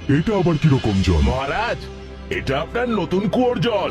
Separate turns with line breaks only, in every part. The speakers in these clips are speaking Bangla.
এটা আবার কিরকম জল?
মহারাজ, এটা আপনার নতুন কুয়োর জল।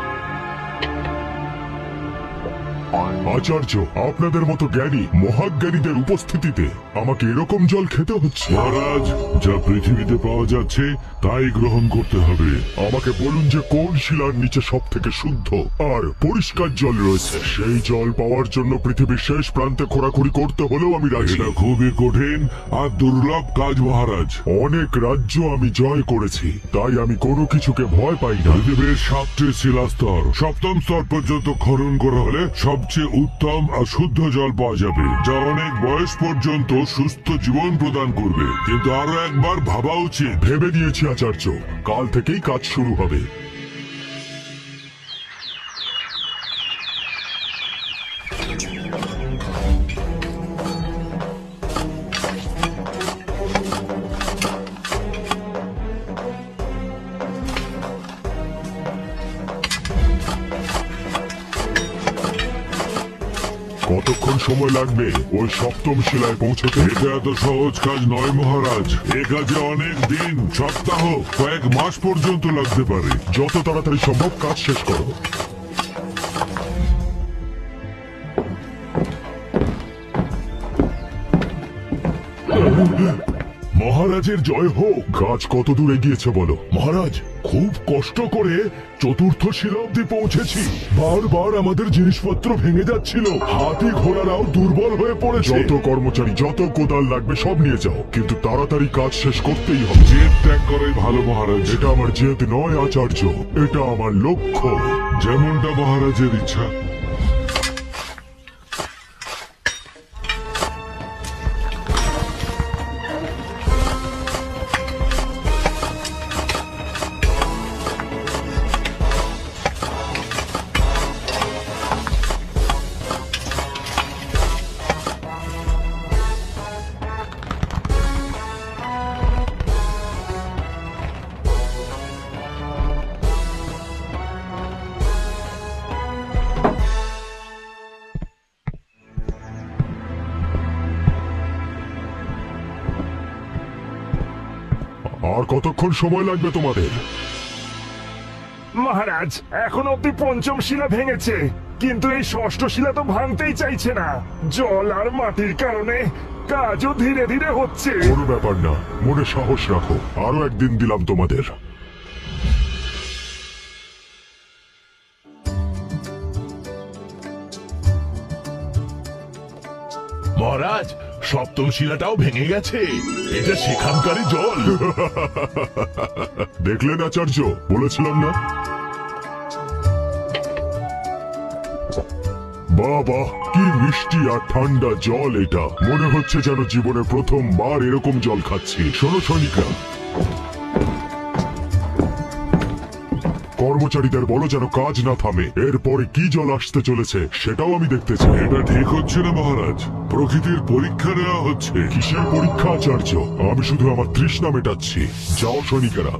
আচার্য, আপনাদের মতো জ্ঞানী মহাজ্ঞানীদের উপস্থিতিতে আমাকে এরকম জল খেতে হচ্ছে?
মহারাজ, যা পৃথিবীতে পাওয়া যাচ্ছে তাই গ্রহণ করতে হবে।
আমাকে বলুন যে কোন শিলার নিচে সব থেকে শুদ্ধ আর পরিষ্কার জল রয়েছে। সেই জল পাওয়ার জন্য পৃথিবীর শেষ প্রান্তে খোঁড়াখুড়ি করতে হলেও আমি রাজি।
এটা খুবই কঠিন আর দুর্লভ কাজ মহারাজ।
অনেক রাজ্য আমি জয় করেছি, তাই আমি কোনো কিছুকে ভয় পাই না।
পৃথিবীর 7টি শিলাস্তর, 7ম স্তর পর্যন্ত খনন করা হলে সবচেয়ে উত্তম আর শুদ্ধ জল পাওয়া যাবে, যা অনেক বয়স পর্যন্ত সুস্থ জীবন প্রদান করবে। কিন্তু আরো একবার ভাবা উচিত।
ভেবে নিয়েছি আচার্য, কাল থেকেই কাজ শুরু হবে। কতক্ষণ সময় লাগবে ওই 7ম শিলায় পৌঁছতে?
এটা এত সহজ কাজ নয় মহারাজ। এ কাজে অনেক দিন, সপ্তাহ, কয়েক মাস পর্যন্ত লাগতে পারে।
যত তাড়াতাড়ি সম্ভব কাজ শেষ করো। মহারাজের জয় হোক। কাজ কত দূর এগিয়েছে বলো?
মহারাজ, খুব কষ্ট করে 4র্থ শিলা অব্দি পৌঁছেছি। বারবার আমাদের জিনিসপত্র ভেঙে যাচ্ছিল, হাতি ঘোড়ারাও দুর্বল হয়ে পড়েছে।
যত কর্মচারী, যত কোদাল লাগবে সব নিয়ে যাও, কিন্তু তাড়াতাড়ি কাজ শেষ করতেই হবে।
জেদ ত্যাগ করাই ভালো মহারাজ।
এটা আমার জেদ নয় আচার্য, এটা আমার লক্ষ্য।
যেমনটা মহারাজের ইচ্ছা।
আর কতক্ষণ সময় লাগবে তোমাদের?
মহারাজ, এখন অব্দি 5ম শিলা ভেঙেছে, কিন্তু এই 6ষ্ঠ শিলা তো ভাঙতেই চাইছে না। জল আর মাটির কারণে কাজও ধীরে ধীরে হচ্ছে।
কোনো ব্যাপার না, মনে সাহস রাখো। আরো একদিন দিলাম তোমাদের।
মহারাজ, 7ম শিলাটাও ভেঙে গেছে। এটা সেখানকারই জল।
দেখলেন আচার্য, বলেছিলাম না? বাবা, কি মিষ্টি আর ঠান্ডা জল এটা। মনে হচ্ছে যেন জীবনে প্রথমবার এরকম জল খাচ্ছি। শোনো সৈনিকরা, কর্মচারীদের বলো যেন কাজ না থামে। এরপরে কি জল আসতে চলেছে সেটাও আমি দেখতে চাই।
এটা ঠিক হচ্ছে না মহারাজ। প্রকৃতির পরীক্ষা নেওয়া হচ্ছে।
কিসের পরীক্ষা আচার্য? আমি শুধু আমার তৃষ্ণা মেটাচ্ছি। যাও সৈনিকেরা।